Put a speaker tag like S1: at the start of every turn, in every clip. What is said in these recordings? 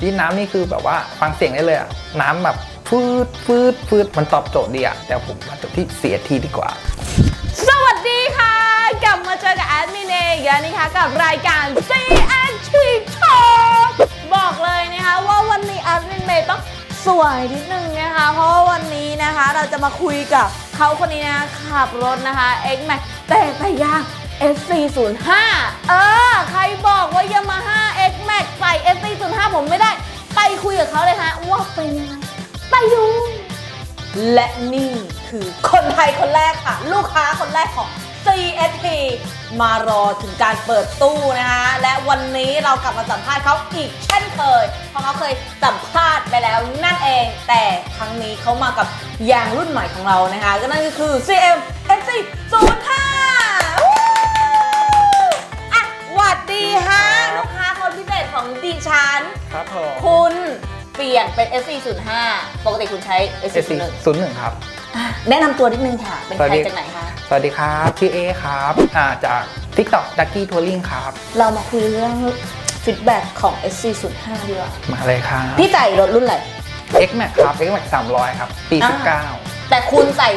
S1: ที่น้ำนี่คือแบบว่าฟังเสียงได้เลยอะน้ำแบบฟืดมันตอบโจทย์ดีอะแต่ผมมาจบที่CSTดีกว่า
S2: สวัสดีค่ะกลับมาเจอกับแอดมินเองแล้วนะคะกับรายการ CST Talk บอกเลยนะคะว่าวันนี้แอดมินเมย์ต้องสวยนิดนึงนะคะเพราะว่าวันนี้นะคะเราจะมาคุยกับเขาคนนี้นะขับรถนะคะ X-Max แต่ยาง SC05 ใครบอกว่า Yamaha X-Max ใส่ SC05 ผมไม่ได้ไปคุยกับเขาเลยฮะว่าเป็นยังไงไปดูและนี่คือคนไทยคนแรกค่ะลูกค้าคนแรกของ CST มารอถึงการเปิดตู้นะคะและวันนี้เรากลับมาสัมภาษณ์เขาอีกเช่นเคยเพราะเขาเคยสัมภาษณ์ไปแล้วนั่นเองแต่ครั้งนี้เขามากับยางรุ่นใหม่ของเรานะคะก็นั่นก็คือ CM SC05 หวัดดีฮะลูกค้าคนพิเศษของดิฉัน
S1: ครับผม
S2: คุณเปลี่ยนเป็น SC05 ปกติคุณใช้ SC01
S1: ครับ
S2: แนะนำตัวนิดนึงค่ะเป็นใครจากไหนคะ
S1: สวัสดีครับชื่อเอครับจาก TikTok Ducky Touring ครับ
S2: เรามาคุยเรื่องฟีดแบ็กของ SC05 ดีกว่า
S1: มาเลยครับ
S2: พี่ใส่รถรุ่นอะไร
S1: X-Max ครับ X-Max 300ครับปี19
S2: แต่คุณใส่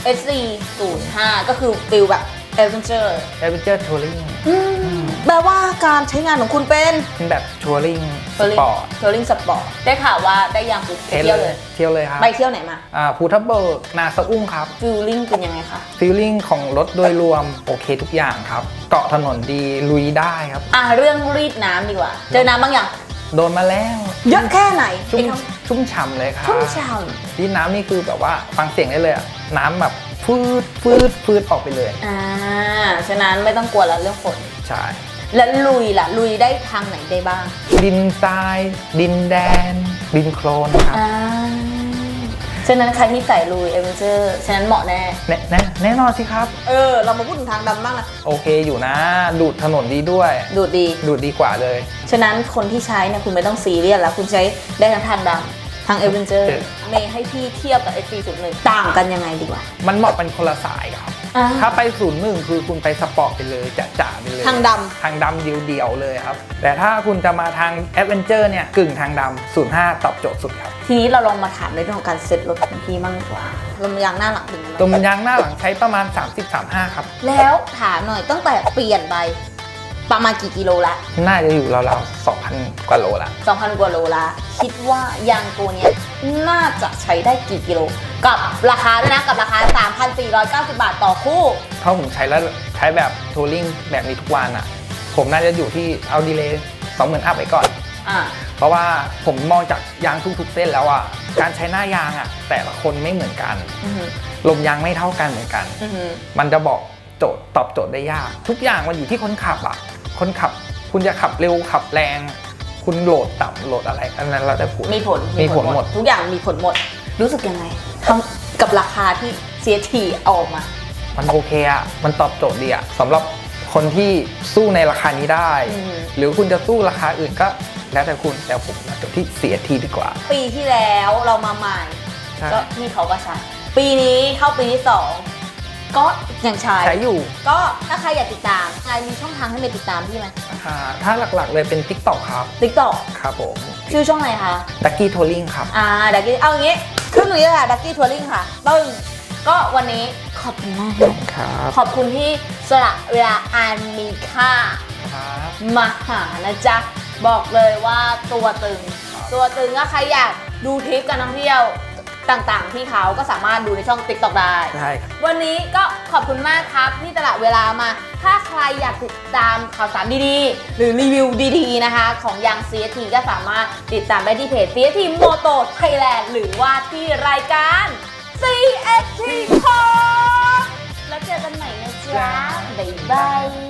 S2: SC05 ก็คือฟิลแบบ Adventure
S1: Touring
S2: แปลว่าการใช้งานของคุณเป็น
S1: แบบ Touring Sport
S2: Touring Sport ได้ข่าวว่าได้ยางปุ๊บเที่ยว
S1: เลยครับ
S2: ไปเที่ยวไหนมา
S1: ภูทับเบิกนาสะอุ้งครับ
S2: ฟีลลิ่งเป็นยังไงคะ
S1: ฟีลลิ่งของรถโดยรวมโอเคทุกอย่างครับเกาะถนนดีลุยได้ครับ
S2: เรื่องรีดน้ำดีกว่าเจอน้ำบางอย่าง
S1: โดนมาแล้ว
S2: เยอะแค่ไหน
S1: ชุ่มฉ่ำเลยครับ
S2: ชุ่มฉ่ำ
S1: ที่น้ำนี่คือแบบว่าฟังเสียงได้เลยน้ำแบบฟืดออกไปเลย
S2: ฉะนั้นไม่ต้องกลัวแล้วเรื่องฝน
S1: ใช่
S2: แล้วลุยล่ะลุยได้ทางไหนได้บ้าง
S1: ดินทรายดินแดนดินโคลนครับ
S2: ฉะนั้นใครที่ใส่ลุยเอเวนเจอร์ฉะนั้นเหมาะแ
S1: น่นอนสิครับ
S2: เรามาพูดถึงทางดำบ้างนะ
S1: โอเคอยู่นะดูดถนนดีด้วย
S2: ดูดดี
S1: กว่าเลย
S2: ฉะนั้นคนที่ใช้เนี่ยคุณไม่ต้องซีเรียสแล้วคุณใช้ได้ทั้งทางดำทางเอเวนเจอร์เมย์ให้พี่เทียบกับ SC01 ต่างกันยังไงดีกว่า
S1: มันเหมาะเป็นคนละสายครับถ้าไป01คือคุณไปสปอร์ตไปเลยจ๋าไปเลย
S2: ทางดำ
S1: เดียวเลยครับแต่ถ้าคุณจะมาทางแอดเวนเจอร์เนี่ยกึ่งทางดำ05ตอบโจทย์สุดครับ
S2: ทีนี้เราลองมาถามในเรื่องของการเซ็ตรถของพี่มั่งดีกว่าลมยางหน้าหลังเป็นยังไง
S1: ลมยางหน้าหลังใช้ประมาณ30-35ครับ
S2: แล้วถามหน่อยตั้งแต่เปลี่ยนไปประมาณกี่กิโลละ
S1: น่าจะอยู่ราวๆ 2,000 กว่าโลละ
S2: 2,000 กว่าโลละคิดว่ายางตัวนี้น่าจะใช้ได้กี่กิโลกับราคาด้วยนะกับราคา 3,490 บาทต่อคู่
S1: ถ้าผมใช้แล้วใช้แบบทัวริงแบบนี้ทุกวันอ่ะผมน่าจะอยู่ที่เอาดีเลย์ 20,000 อัพไปก่อนเพราะว่าผมมองจากยางทุกๆเส้นแล้วอ่ะการใช้หน้ายางอ่ะแต่ละคนไม่เหมือนกันลมยางไม่เท่ากันเหมือนกันมันจะบอกตอบโจทย์ได้ยากทุกอย่างมันอยู่ที่คนขับอ่ะคนขับคุณจะขับเร็วขับแรงคุณโหลดต่ำโหลดอะไรอันนั้นเราได้ผล
S2: มีผลหมดทุกอย่างมีผลหมดรู้สึกยังไงกับราคาที่ CST ออกมา
S1: มันโอเคอ่ะมันตอบโจทย์ดีอ่ะสำหรับคนที่สู้ในราคานี้ได้หรือคุณจะสู้ราคาอื่นก็แล้วแต่คุณแต่ผมจบที่ CST ดีกว่า
S2: ปีที่แล้วเรามาใหม่ก็พี่เขาก็ใช้ปีนี้เข้าปีที่2ก็ยังใช้
S1: อยู่
S2: ก็ถ้าใครอยากติดตามใครมีช่องทางให้ไปติดตามพี่ไหม
S1: ถ้าหลักๆเลยเป็น TikTok ครับ
S2: TikTok
S1: ครับผม
S2: ชื่อช่องอะไรคะ
S1: Ducky Touring ครับ
S2: Ducky เอาอย่างงี้ขึ้นหนูเลยค่ะ Ducky Touring ค่ะก็วันนี้ขอบคุณมาก
S1: ครับ
S2: ขอบคุณที่สละเวลาอันมีค่ามาหานะจ๊ะบอกเลยว่าตัวตึงก็ใครอยากดูทริปการท่องเที่ยวต่างๆที่เขาก็สามารถดูในช่อง TikTok ได้วันนี้ก็ขอบคุณมากครับที่ตลาดเวลามาถ้าใครอยากติดตามข่าวสารดีๆหรือรีวิวดีๆนะคะของยาง CST ก็สามารถติดตามได้ที่เพจ CST Moto Thailand หรือว่าที่รายการ CST Talk แล้วเจอกันใหม่นะจ๊ะบ๊ายบาย